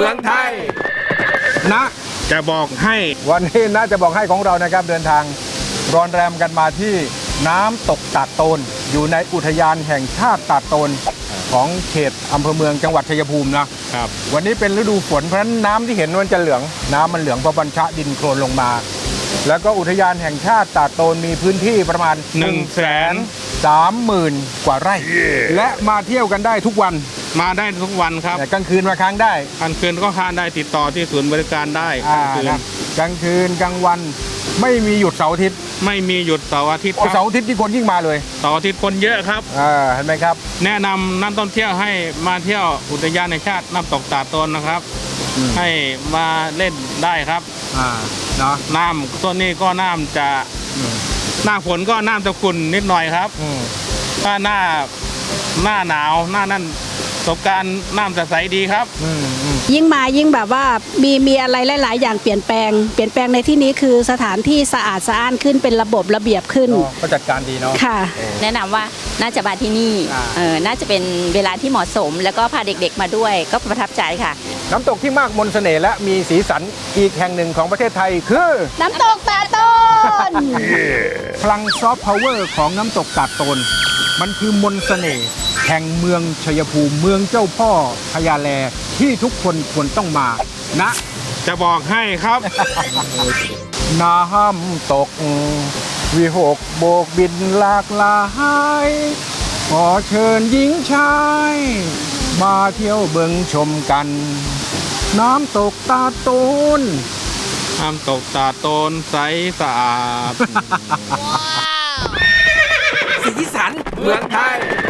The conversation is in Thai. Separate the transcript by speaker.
Speaker 1: มืองไทยนะ
Speaker 2: จะบอกให้
Speaker 1: วันนี้นะจะบอกให้ของเรานะครับเดินทางรอนแรมกันมาที่น้ำตกตาดโตนอยู่ในอุทยานแห่งชาติตาดโตนของเขตอำเภอเมืองจังหวัดชัยภูมินะครับวันนี้เป็นฤดูฝนเพราะฉะนั้นน้ำที่เห็นมันจะเหลืองน้ำมันเหลืองเพราะบัญชะดินโคลนลงมาแล้วก็อุทยานแห่งชาติตาดโตนมีพื้นที่ประมาณ 130,000 กว่าไร่ และมาเที่ยวกันได้ทุกวัน
Speaker 2: มาได้ทุกวันครับ
Speaker 1: กลางคืนมาค้างได้
Speaker 2: กลางคืนก็ค้างได้ติดต่อที่ศูนย์บริการได้
Speaker 1: กลางคืนกลางวันไม่มีหยุดเสาร์อาทิตย์
Speaker 2: ไม่มีหยุดเสาร์อาทิตย์
Speaker 1: เสาร์อาทิตย์ที่คนยิ่งมาเลย
Speaker 2: เสาร์อาทิตย์คนเยอะครับ
Speaker 1: เห็นไหมครับ
Speaker 2: แนะนำนักท่องเที่ยวให้มาเที่ยวอุทยานแห่งชาติน้ำตกตาดโตนนะครับให้มาเล่นได้ครับ
Speaker 1: เนาะ
Speaker 2: น้ำต้นนี้ก็น้ำจะหน้าฝนก็น้ำจะขุ่นนิดหน่อยครับถ้าหน้าหนาวหน้านั่นประสบการณ์น้ำจะใสดีครับ
Speaker 3: ยิ่งมายิ่งแบบว่ามีอะไรหลายๆอย่างเปลี่ยนแปลงในที่นี้คือสถานที่สะอาดสะอ้านขึ้นเป็นระบบระเบียบขึ้น
Speaker 1: ก็จัดการดีเนาะ
Speaker 3: ค่ะ
Speaker 4: แนะนำว่าน่าจะมาที่นี่น่าจะเป็นเวลาที่เหมาะสมแล้วก็พาเด็กๆมาด้วยก็ประทับใจค่ะ
Speaker 1: น้ำตกที่มากมนต์เสน่ห์และมีสีสันอีกแห่งหนึ่งของประเทศไทยคือ
Speaker 3: น้ำตกตาดโตน
Speaker 1: พลังซอฟต์พาวเวอร์ของน้ำตกตาดโตนมันคือมนต์เสน่ห์แห่งเมืองชัยภูมิเมืองเจ้าพ่อพญาแลที่ทุกคนควรต้องมานะ
Speaker 2: จะบอกให้ครับ
Speaker 1: น้ำตกวิหกโบกบินหลากหลายขอเชิญหญิงชายมาเที่ยวเบิ่งชมกันน้ำตกตาดโตน
Speaker 2: น้ำตกตาดโตนใสสะอาด
Speaker 1: สีสันเมืองไทย